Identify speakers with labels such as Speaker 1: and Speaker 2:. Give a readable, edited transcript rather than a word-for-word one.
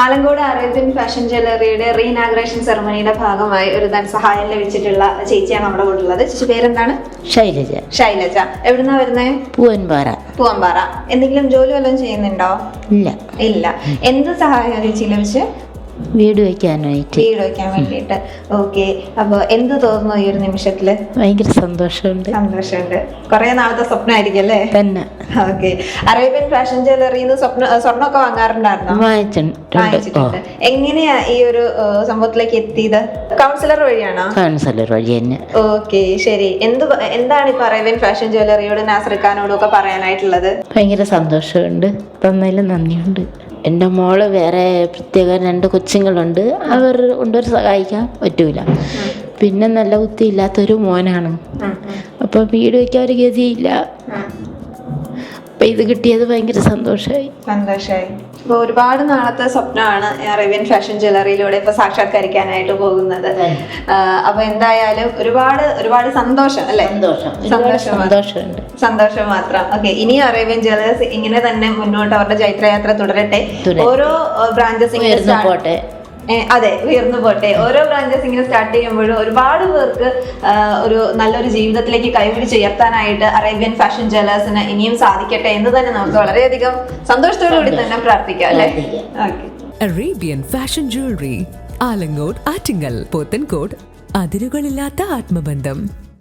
Speaker 1: Alankode Arabian fashion ജ്വല്ലറിയുടെ reinauguration സെറമണിയുടെ ഭാഗമായി ഒരു ധനസഹായം ലഭിച്ചിട്ടുള്ള ചേച്ചിയാണ് നമ്മുടെ കൂടെ ഉള്ളത്. ചേച്ചി പേരെന്താണ്?
Speaker 2: ശൈലജ.
Speaker 1: ശൈലജ. എവിടുന്നാ വരുന്നേ? പൂവൻപാറ. എന്തെങ്കിലും ജോലി വല്ലതും ചെയ്യുന്നുണ്ടോ? ഇല്ല. എന്ത് സഹായം ചേച്ചി ലഭിച്ച്?
Speaker 2: വീട് വെക്കാൻ
Speaker 1: വേണ്ടിയിട്ട്. ഓക്കെ. അപ്പൊ എന്ത് തോന്നുന്നു ഈ ഒരു നിമിഷത്തില്?
Speaker 2: ഭയങ്കര സന്തോഷമുണ്ട്.
Speaker 1: കുറെ നാളത്തെ സ്വപ്നമായിരിക്കും അല്ലേ?
Speaker 2: തന്നെ.
Speaker 1: ഓക്കെ. അറേബ്യൻ ഫാഷൻ ജ്വല്ലറിന്ന് സ്വർണ്ണമൊക്കെ വാങ്ങാറുണ്ടായിരുന്നോ? വാങ്ങിച്ചിട്ടുണ്ട്. എങ്ങനെയാ ഈ ഒരു സംഭവത്തിലേക്ക് എത്തിയത്? കൗൺസിലർ വഴിയാണോ?
Speaker 2: കൗൺസിലർ വഴി തന്നെ.
Speaker 1: ഓക്കെ, ശരി. എന്താണ് ഇപ്പൊ അറേബ്യൻ ഫാഷൻ ജ്വല്ലറിയോട് നാസർ ഖാനോടും ഒക്കെ പറയാനായിട്ടുള്ളത്?
Speaker 2: ഭയങ്കര സന്തോഷമുണ്ട്. തന്നതിലും നന്ദിയുണ്ട്. എൻ്റെ മോള് വേറെ പ്രത്യേക 2 കൊച്ചുങ്ങളുണ്ട്. അവർ കൊണ്ടൊരു സഹായിക്കാൻ പറ്റൂല. പിന്നെ നല്ല ബുദ്ധിയില്ലാത്തൊരു മോനാണ്. അപ്പോൾ വീട് വയ്ക്കാൻ ഒരു ഗതിയില്ല. അപ്പം ഇത് കിട്ടിയത് ഭയങ്കര സന്തോഷമായി.
Speaker 1: അപ്പോൾ ഒരുപാട് നാളത്തെ സ്വപ്നമാണ് അറേബ്യൻ ഫാഷൻ ജ്വല്ലറിയിലൂടെ ഇപ്പൊ സാക്ഷാത്കരിക്കാനായിട്ട് പോകുന്നത്. അപ്പൊ എന്തായാലും ഒരുപാട് സന്തോഷം അല്ലേ? സന്തോഷം മാത്രം. ഓക്കെ. ഇനി അറേബ്യൻ ജ്വല്ലേഴ്സ് ഇങ്ങനെ തന്നെ മുന്നോട്ട് അവരുടെ ജൈത്രയാത്ര തുടരട്ടെ. ഓരോ ബ്രാഞ്ചസ് ഉയർന്നു പോട്ടെ. ഓരോ ബ്രാഞ്ചസ് ഇങ്ങനെ സ്റ്റാർട്ട് ചെയ്യുമ്പോഴും ഒരുപാട് പേർക്ക് ഒരു നല്ലൊരു ജീവിതത്തിലേക്ക് കൈപിടിച്ചുയർത്താനായിട്ട് അറേബ്യൻ ഫാഷൻ ജ്വല്ലേഴ്സിന് ഇനിയും സാധിക്കട്ടെ എന്ന് തന്നെ നമുക്ക് വളരെയധികം സന്തോഷത്തോടു കൂടി തന്നെ പ്രാർത്ഥിക്കാം അല്ലേ?
Speaker 3: Arabian fashion jewellery, Alamcode, Attingal, Pothencode. അതിരുകളില്ലാത്ത ആത്മബന്ധം.